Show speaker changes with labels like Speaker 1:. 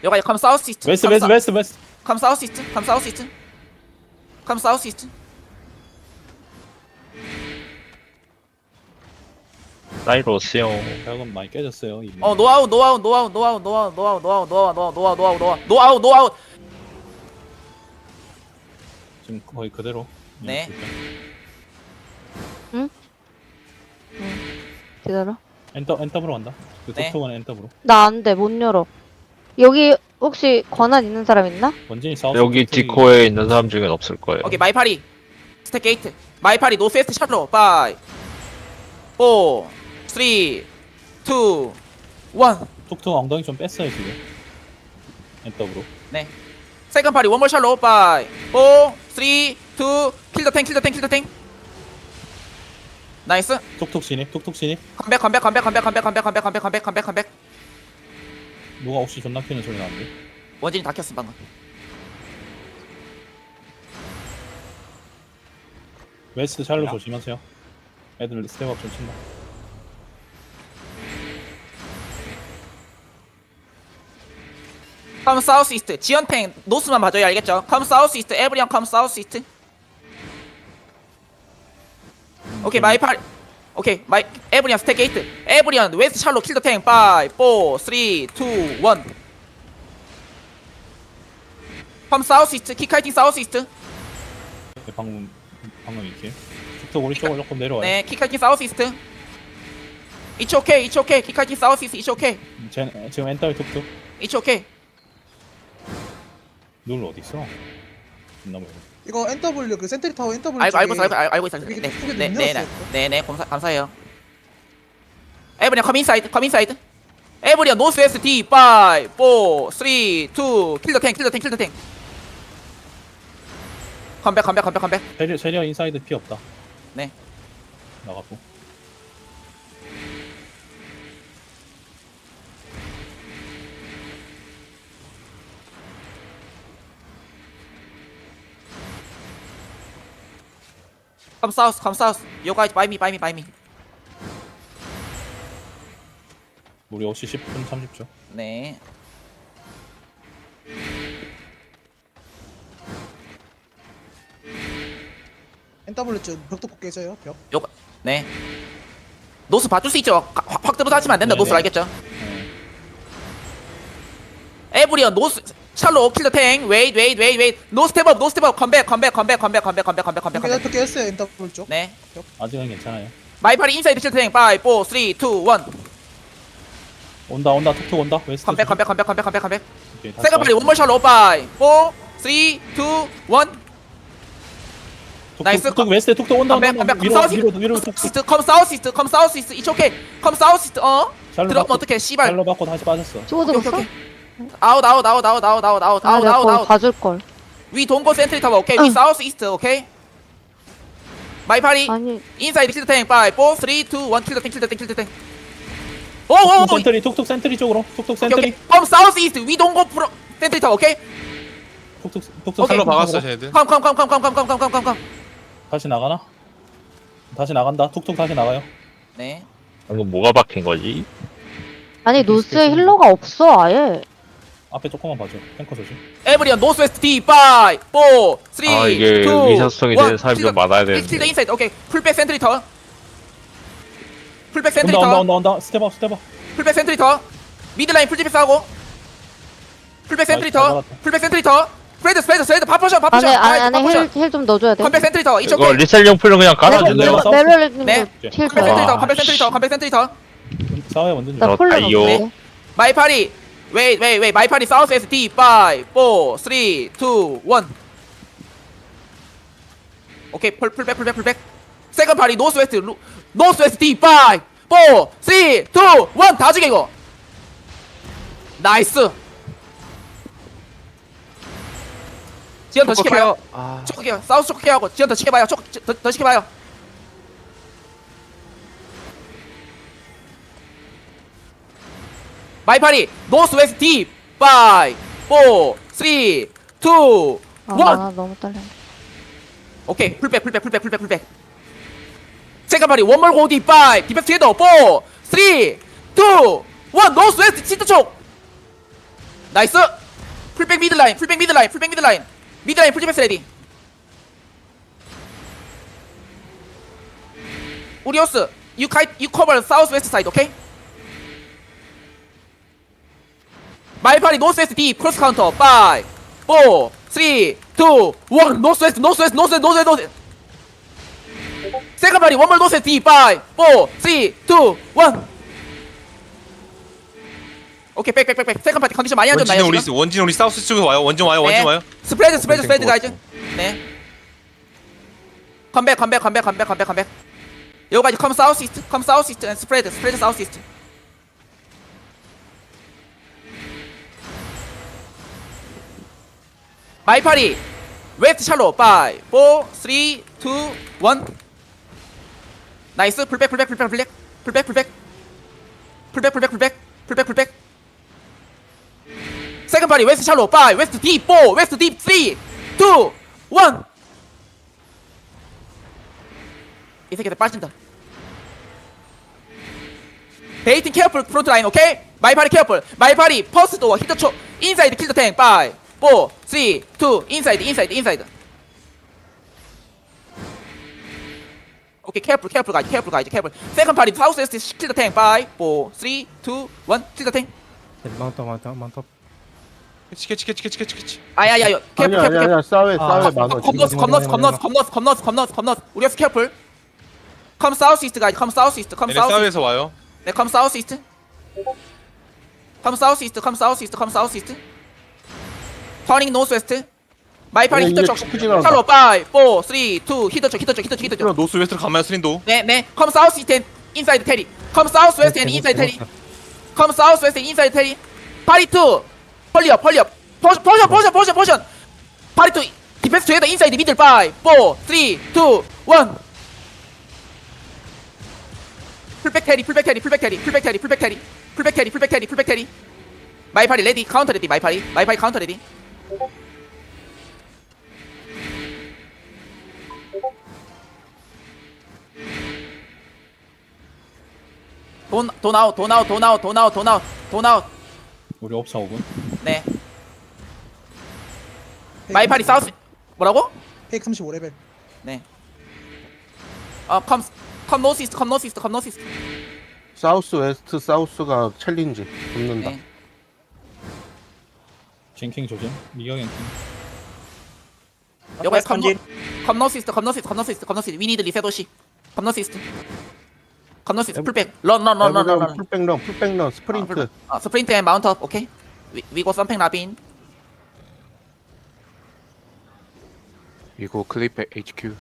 Speaker 1: 여기 come south east.
Speaker 2: 웨스트
Speaker 1: come
Speaker 2: 웨스트 웨스트 웨스트.
Speaker 1: come south east. come south east. come south east.
Speaker 3: 사이로스요.
Speaker 2: 벽은 많이 깨졌어요 이미.
Speaker 1: 노아웃 노아웃 노아웃 노아웃 노아웃 노아웃 노아웃 노아웃 노아웃 노아웃 노아웃 노아웃 노아웃.
Speaker 2: 지금 거의 그대로.
Speaker 1: 네.
Speaker 4: 기다려.
Speaker 2: 엔더브로 간다. 그
Speaker 1: 네.
Speaker 2: 톡톡은 엔더브로.
Speaker 4: 나 안 돼, 못 열어. 여기 혹시 권한 있는 사람 있나?
Speaker 2: 원진이 사우스.
Speaker 3: 여기
Speaker 2: 톡톡이
Speaker 3: 디코에 있는 사람 중엔 없을 거예요.
Speaker 1: 오케이 마이파리 스택 게이트 마이파리 노스웨스트 샬로 5 4 3 2 1.
Speaker 2: 톡톡 엉덩이 좀 뺐어요 지금. 엔더브로.
Speaker 1: 네. 세컨 파리 원몰 샬로 5 4 3 2 킬더 탱 킬더 탱 킬더 탱. 나이스.
Speaker 2: 톡톡 진입. 톡톡 진입.
Speaker 1: 컴백 컴백 컴백 컴백 컴백 컴백 컴백 컴백 컴백 컴백 컴백.
Speaker 2: 누가 혹시 존나 키는 소리 나는데?
Speaker 1: 원진이 다 켰음 방금.
Speaker 2: 웨스트 샬로 조심하세요. 애들 스텝업 좀 친다.
Speaker 1: 컴 사우스 이스트 지연탱 노스만 봐줘야 알겠죠? 컴 사우스 이스트 에브리언 컴 사우스 이스트. 오케이 마이파리 오케이 마이 에브리언 스택 게이트 에브리언 웨스트 샬로 킬더 탱 5 4 3 2 1. 컴 사우스 이스트 킥카이팅 사우스 이스트.
Speaker 2: 방금 이렇게. 톡톡 오른쪽으로 조금 내려와요.
Speaker 1: 네 킥카이팅 사우스 이스트. It's okay It's okay 킥카이팅 사우스 이스트 It's okay
Speaker 2: 지금 엔더의 톡톡.
Speaker 1: It's okay.
Speaker 2: 룰 어디 있어? 있나 보네.
Speaker 5: 이거 NW 그 센트리 타워 NW
Speaker 1: 알고
Speaker 5: 쪽에
Speaker 1: 있어 알고 있어.
Speaker 5: 이게 속에 문 열었어요,
Speaker 1: 네네네 감사해요. 에브리언 컴 인사이드 에브리언 노스 웨스트 D 5 4 3 2 킬더 탱 컴백
Speaker 2: 세리어 인사이드 피 없다.
Speaker 1: 네.
Speaker 2: 나가고.
Speaker 1: 컴 사우스 You guys buy me.
Speaker 2: 우리 혹시 10분 30초.
Speaker 1: 네.
Speaker 5: NW 쪽 벽도 꼭 깨져요 벽.
Speaker 1: 네. 노스 봐줄 수 있죠. 확 들어서 하시면 안 된다.
Speaker 2: 네네.
Speaker 1: 노스 알겠죠?
Speaker 2: 네.
Speaker 1: 에브리언 노스 샬로 킬더 탱 웨이트 노 스텝업 컴백
Speaker 5: 벽 깨졌어요 NW 쪽.
Speaker 1: 네.
Speaker 2: 아직은 괜찮아요.
Speaker 1: 마이파리 인사이드 킬더 탱 5 4 3 2 1.
Speaker 2: 온다 톡톡 온다. 웨스트.
Speaker 1: 컴백.
Speaker 2: 오케이, 다시
Speaker 1: 세컨 파리
Speaker 2: 와요.
Speaker 1: 원몰 샬로 5 4 3 2 1. 나이스.
Speaker 2: 톡톡 웨스트 톡톡 온다.
Speaker 1: 컴백
Speaker 2: 위로 톡톡.
Speaker 1: 컴 사우스 이스트 It's okay 컴 사우스 이스트
Speaker 2: 샬로
Speaker 1: 들어가면
Speaker 2: 받고,
Speaker 1: 어떡해 씨발.
Speaker 2: 샬로 받고 다시 빠졌어.
Speaker 4: 찍어들었어?
Speaker 1: 아웃
Speaker 4: 아, 내가 거기 가줄걸.
Speaker 1: 위 동고 센트리 타워 오케이 위 사우스 이스트 오케이 마이파리
Speaker 4: 아니,
Speaker 1: 인사이드 킬더 탱 5 4 3 2 1 킬더 탱 오오오
Speaker 2: 센트리 톡톡 센트리 쪽으로. 톡톡
Speaker 1: 오케이
Speaker 2: 센트리.
Speaker 1: 컴 사우스 이스트 위 동고 프로 센트리 타워 오케이
Speaker 2: 톡톡
Speaker 1: 오케이.
Speaker 6: 살로 박았어
Speaker 2: 쪽으로.
Speaker 6: 쟤들.
Speaker 1: 컴
Speaker 2: 다시 나가나? 다시 나간다. 톡톡 다시 나가요.
Speaker 1: 네
Speaker 3: 방금 뭐가 박힌 거지?
Speaker 4: 아니, 노스에 힐러가 없어, 아예.
Speaker 2: 앞에 조금만 봐줘. 탱커 조심.
Speaker 1: 에브리언 노스웨스트 D 5 4 3 2
Speaker 3: 아, 이게 의사소통이 되는 사람이 좀 많아야 되는데.
Speaker 1: 킬더 인사이드 오케이 풀백 센트리 터 풀백 센트리
Speaker 2: 온다.
Speaker 1: 터
Speaker 2: 스텝업.
Speaker 1: 풀백 센트리 터 미드라인 풀집에서 하고 풀백 센트리
Speaker 2: 잘
Speaker 1: 터
Speaker 2: 잡았다.
Speaker 1: 풀백 센트리 터 스프레드 바포션
Speaker 4: 안에 힐 좀 넣어줘야 돼.
Speaker 1: 컴백 센트리 터
Speaker 3: 이거 리셀용 풀로 그냥 깔아주네요.
Speaker 2: 내가
Speaker 4: 메로님
Speaker 1: 네.
Speaker 4: 힐
Speaker 1: 컴백
Speaker 4: 줘요.
Speaker 1: 센트리 터
Speaker 3: 와,
Speaker 1: 컴백 센트리 터
Speaker 2: 싸워요 완전.
Speaker 4: 나 폴로
Speaker 3: 아이요.
Speaker 4: 넣을게.
Speaker 1: 마이파리 웨이 마이파리 사우스에서 D 5 4 3 2 1. 오케이 풀백 세컨 파리 노스웨스트 D 5 4 3 2 1 다 죽여 이거. 나이스. 지연 더 시켜봐요. 초크해요. 사우스 초크해하고 지연 더 시켜봐요. 더 시켜봐요. 마이파리 노스웨스트 D 5 4 3 2 1.
Speaker 4: 아, 너무 떨려.
Speaker 1: 오케이 풀백 세컨 파리 원몰 고 D 5 디펜스 헤더 4 3 2 1 노스웨스트 치트 쪽 나이스. 풀백 미드라인 풀백 미드라인 풀백 미드라인 미드라인 풀집에스 레디. 우리오스 you cover south west side okay? 마이파리 노스 웨스트 딥 크로스 카운터 5 4 3 2 1 노스 웨스트 노스 웨스트 노스 웨스트 노스 웨스트 세컨 파리 원몰 노스 웨스트 딥 5 4 3 2 1 오케이 백백백백 세컨 파티 컨디션 많이 안 좋나요 지금?
Speaker 6: 원진 우리 사우스 쪽에서 와요. 원진 와요. 원진 와요.
Speaker 1: 스프레드 가이즈. 네. 컴백. 여기까지 컴 사우스 이스트 앤 스프레드 사우스 이스트. 마이파리 웨스트 샬로 5 4 3 2 1 나이스 풀백 세컨 파리 웨스트 샬로 5 웨스트 딥 4 웨스트 딥 3 2 1 이 새끼들 빠진다. 베이팅 케어풀 프론트 라인 오케이? 마이파리 케어풀 마이파리 퍼스트 도어 히터 초 인사이드 킬더 탱 5 4 3 2 인사이드 오케이 케어풀 가이즈 세컨 파리 사우스 웨스트 킬더 탱 5 4 3 2 1 킬더 탱
Speaker 7: 많다.
Speaker 6: 캐치.
Speaker 1: 아야야야 케어풀
Speaker 8: 아니야 싸웨 많아
Speaker 1: 컴너스 우리 어스 케어풀 컴 사우스 이스트 가이즈 컴 사우스 이스트
Speaker 6: 얘네 사우에서 와요.
Speaker 1: 네, 컴 사우스 이스트. 터닝 노스 웨스트. 마이파리 히터 쪽. 샬로 5 4 3 2 히터 쪽.
Speaker 6: 그럼 노스 웨스트로 가면 스린도.
Speaker 1: 네. 컴 사우스 이스트 앤 인사이드 테리. 컴 사우스 웨스트 앤 인사이드 테리. 파리 2. 펄리업. 포션. 파리 2. 디펜스 투게더 인사이드 미들 5 4 3 2 1. 풀백 테리 마이파리 레디 카운터 레디 마이파리 카운터 레디 돈 아웃
Speaker 2: 우리 옵사 5분.
Speaker 1: 네 마이파리 사우스 뭐라고?
Speaker 5: 페이크 35레벨.
Speaker 1: 네 컴 노스 이스트
Speaker 8: 사우스 웨스트 사우스가 챌린지 붙는다.
Speaker 1: 네.
Speaker 2: 징킹 조심. 미경행 킹.
Speaker 1: 여기 컴 노스 이스트 we need 리셋도시 컴 노스 이스트 풀백 런
Speaker 8: 풀백런 스프린트.
Speaker 1: 스프린트 앤 마운트 업 오케이 we go 썸팽 라빈
Speaker 9: 이거 클립 HQ